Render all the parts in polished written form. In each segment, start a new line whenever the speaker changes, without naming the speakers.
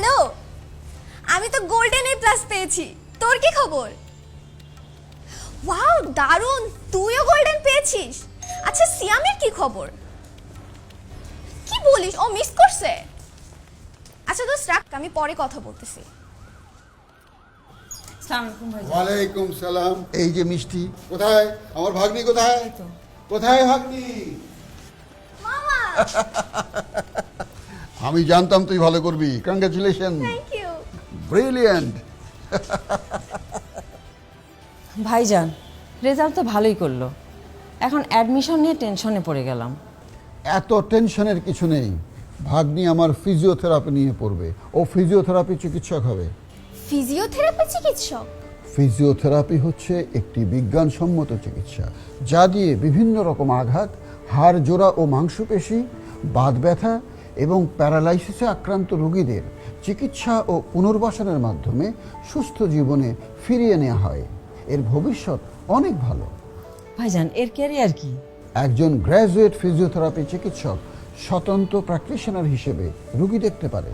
Hello, আমি তো golden A plus পেয়েছি। তোর কি খবর? ওয়াও, দারুণ, তুইও গোল্ডেন পেয়েছিস। আচ্ছা, সিয়ামের কি খবর? কি বলিস, ও মিস করছে? আচ্ছা দোস্ত রাখ, আমি পরে কথা বলতেছি।
ওয়ালাইকুম সালাম। এই যে মিষ্টি, কোথায় আমার ভাগ্নি? কোথায় কোথায় ভাগ্নি?
মামা,
আমি জানতাম তুই ভালো করবি। Congratulation,
thank you.
ব্রিলিয়ান্ট।
ভাইজান, রেজাল্ট তো ভালোই করলো, এখন অ্যাডমিশন নিয়ে টেনশনে পড়ে গেলাম।
এত টেনশনের কিছু নেই। ভাগ্নি আমার ফিজিওথেরাপি নিয়ে পড়বে। ও ফিজিওথেরাপি চিকিৎসক হবে।
ফিজিওথেরাপি চিকিৎসক?
ফিজিওথেরাপি হচ্ছে একটি বিজ্ঞানসম্মত চিকিৎসা, যা দিয়ে বিভিন্ন রকম আঘাত, হাড় জোড়া ও মাংসপেশি, বাত ব্যথা এবং প্যারালাইসিসে আক্রান্ত রোগীদের চিকিৎসা ও পুনর্বাসনের মাধ্যমে সুস্থ জীবনে ফিরিয়ে নেওয়া হয়। এর ভবিষ্যৎ অনেক ভালো।
ভাইজান, এর ক্যারিয়ার কি?
একজন গ্র্যাজুয়েট ফিজিওথেরাপি চিকিৎসক স্বতন্ত্র প্র্যাকটিশনার হিসেবে রোগী দেখতে পারে।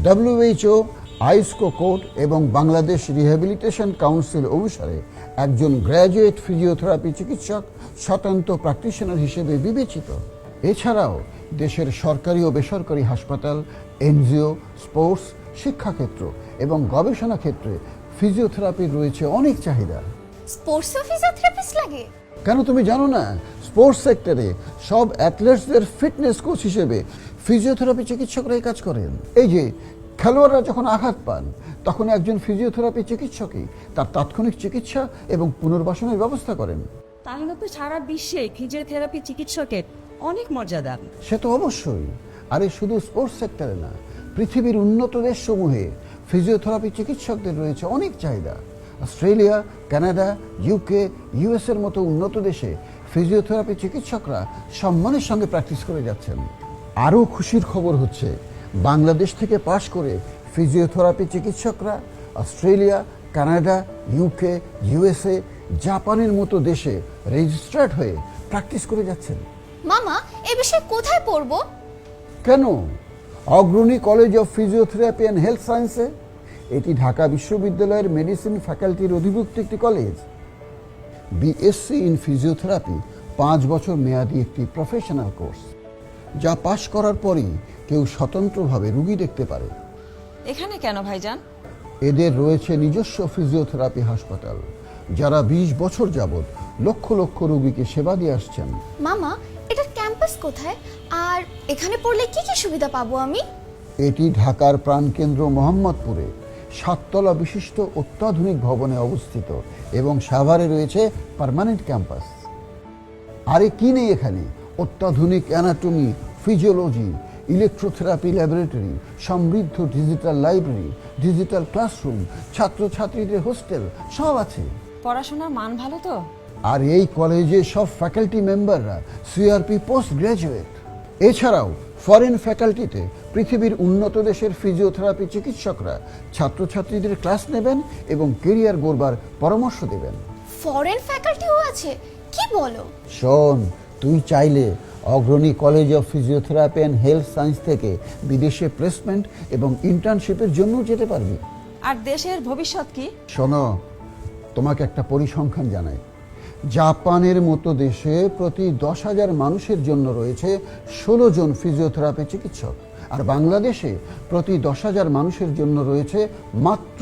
WHO, আইসকো কোড এবং বাংলাদেশ রিহ্যাবিলিটেশন কাউন্সিল অনুসারে একজন গ্র্যাজুয়েট ফিজিওথেরাপি চিকিৎসক স্বতন্ত্র প্র্যাকটিশনার হিসেবে বিবেচিত। এছাড়াও দেশের সরকারি ও বেসরকারি হাসপাতাল, এনজিও, স্পোর্টস, শিক্ষাক্ষেত্র এবং গবেষণা ক্ষেত্রে ফিজিওথেরাপির রয়েছে অনেক চাহিদা।
স্পোর্টসে ফিজিওথেরাপিস্ট লাগে?
কেন তুমি জানো না? স্পোর্টস সেক্টরে সব অ্যাথলেটসদের ফিটনেস কোচ হিসেবে ফিজিওথেরাপি চিকিৎসকরাই কাজ করেন। এই যে খেলোয়াড়রা যখন আঘাত পান, তখন একজন ফিজিওথেরাপি চিকিৎসকই তার তাৎক্ষণিক চিকিৎসা এবং পুনর্বাসনের ব্যবস্থা করেন।
তাহলে তো সারা বিশ্বে ফিজিওথেরাপি চিকিৎসকের অনেক মর্যাদা।
সে তো অবশ্যই। আরে শুধু স্পোর্টস সেক্টরে না, পৃথিবীর উন্নত দেশসমূহে ফিজিওথেরাপি চিকিৎসকদের রয়েছে অনেক চাহিদা। অস্ট্রেলিয়া, কানাডা, ইউকে, US এর মতো উন্নত দেশে ফিজিওথেরাপি চিকিৎসকরা সম্মানের সঙ্গে প্র্যাকটিস করে যাচ্ছেন। আরও খুশির খবর হচ্ছে, বাংলাদেশ থেকে পাশ করে ফিজিওথেরাপি চিকিৎসকরা অস্ট্রেলিয়া, কানাডা, ইউকে, USA, জাপানের মতো দেশে রেজিস্ট্রার্ড হয়ে প্র্যাকটিস করে যাচ্ছেন।
মামা, এ বিষয়ে কোথায় পড়বো?
কেন? Agrani college of physiotherapy and health সায়েন্সে। এটি ঢাকা বিশ্ববিদ্যালয়ের মেডিসিন ফ্যাকাল্টির অধিভুক্ত একটি কলেজ। BSc ইন ফিজিওথেরাপি 5 বছর মেয়াদী একটি প্রফেশনাল কোর্স, যা পাশ করার পরই কেউ স্বতন্ত্রভাবে রোগী দেখতে পারে।
এখানে কেন ভাইজান?
এদের রয়েছে নিজস্ব ফিজিওথেরাপি হাসপাতাল, যারা 20 বছর যাবৎ লক্ষ লক্ষ রোগীকে সেবা দিয়ে আসছেন।
মামা, এটার ক্যাম্পাস কোথায়? আর এখানে পড়লে কি কি সুবিধা পাবো আমি?
এটি ঢাকার প্রাণকেন্দ্র মোহাম্মদপুরে 7 তলা বিশিষ্ট অত্যাধুনিক ভবনে অবস্থিত এবং সাভারে রয়েছে পার্মানেন্ট ক্যাম্পাস। আরে কি নেই এখানে? অত্যাধুনিক অ্যানাটমি, ফিজিওলজি, ইলেকট্রোথেরাপি ল্যাবরেটরি, সমৃদ্ধ ডিজিটাল লাইব্রেরি, ডিজিটাল ক্লাসরুম, ছাত্রছাত্রীদের হোস্টেল, সব আছে।
পড়াশোনার মান ভালো তো?
আর এই কলেজে সব ফ্যাকাল্টি মেম্বাররা CRP পোস্ট গ্র্যাজুয়েট। এছাড়াও ফরেন ফ্যাকাল্টিতে পৃথিবীর উন্নত দেশের ফিজিওথেরাপি চিকিৎসকরা ছাত্রছাত্রীদের ক্লাস নেবেন এবং কেরিয়ার গড়বার পরামর্শ দেবেন।
ফরেন ফ্যাকাল্টিও আছে? কি বলো?
শোন, তুই চাইলে Agrani college of physiotherapy and health science থেকে বিদেশে প্লেসমেন্ট এবং ইন্টার্নশিপের জন্য যেতে পারবি।
আর দেশের ভবিষ্যৎ কি?
শোনো, তোমাকে একটা পরিসংখ্যান জানাই। জাপানের মতো দেশে প্রতি 10,000 মানুষের জন্য রয়েছে 16 জন ফিজিওথেরাপি চিকিৎসক, আর বাংলাদেশে প্রতি 10,000 মানুষের জন্য রয়েছে মাত্র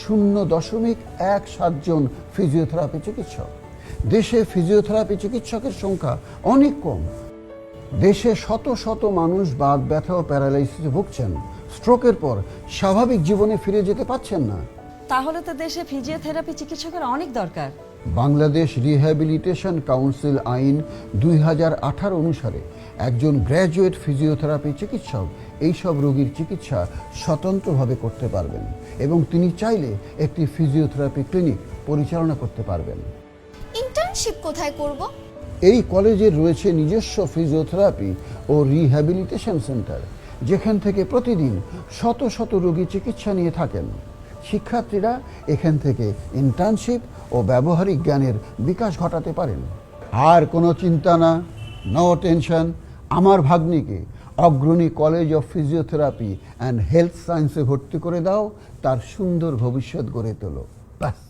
0.17 জন ফিজিওথেরাপি চিকিৎসক। দেশে ফিজিওথেরাপি চিকিৎসকের সংখ্যা অনেক কম। দেশে শত শত মানুষ বাত ব্যথা ও প্যারালাইসিসে ভুগছেন, স্ট্রোকের পর স্বাভাবিক জীবনে ফিরে যেতে পারছেন না।
তাহলে তো দেশে ফিজিওথেরাপি চিকিৎসকের অনেক দরকার।
বাংলাদেশ রিহ্যাবিলিটেশন কাউন্সিল আইন 2018 অনুসারে একজন গ্র্যাজুয়েট ফিজিওথেরাপি চিকিৎসক এইসব রোগীর চিকিৎসা স্বতন্ত্রভাবে করতে পারবেন এবং তিনি চাইলে একটি ফিজিওথেরাপি ক্লিনিক পরিচালনা করতে পারবেন।
ইন্টার্নশিপ কোথায় করব?
এই কলেজের রয়েছে নিজস্ব ফিজিওথেরাপি ও রিহ্যাবিলিটেশন সেন্টার, যেখান থেকে প্রতিদিন শত শত রোগী চিকিৎসা নিয়ে থাকেন। শিক্ষার্থীরা এখান থেকে ইন্টার্নশিপ ও ব্যবহারিক জ্ঞানের বিকাশ ঘটাতে পারেন। আর কোনো চিন্তা না, নো টেনশন। আমার ভাগ্নিকে Agrani college of physiotherapy and health সায়েন্সে ভর্তি করে দাও, তার সুন্দর ভবিষ্যৎ গড়ে তোলো। ব্যাস।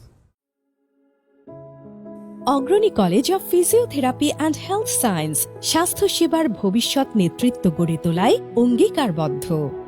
Agrani college of physiotherapy and health science স্বাস্থ্যসেবার ভবিষ্যৎ নেতৃত্ব গড়ে তোলায় অঙ্গীকারবদ্ধ।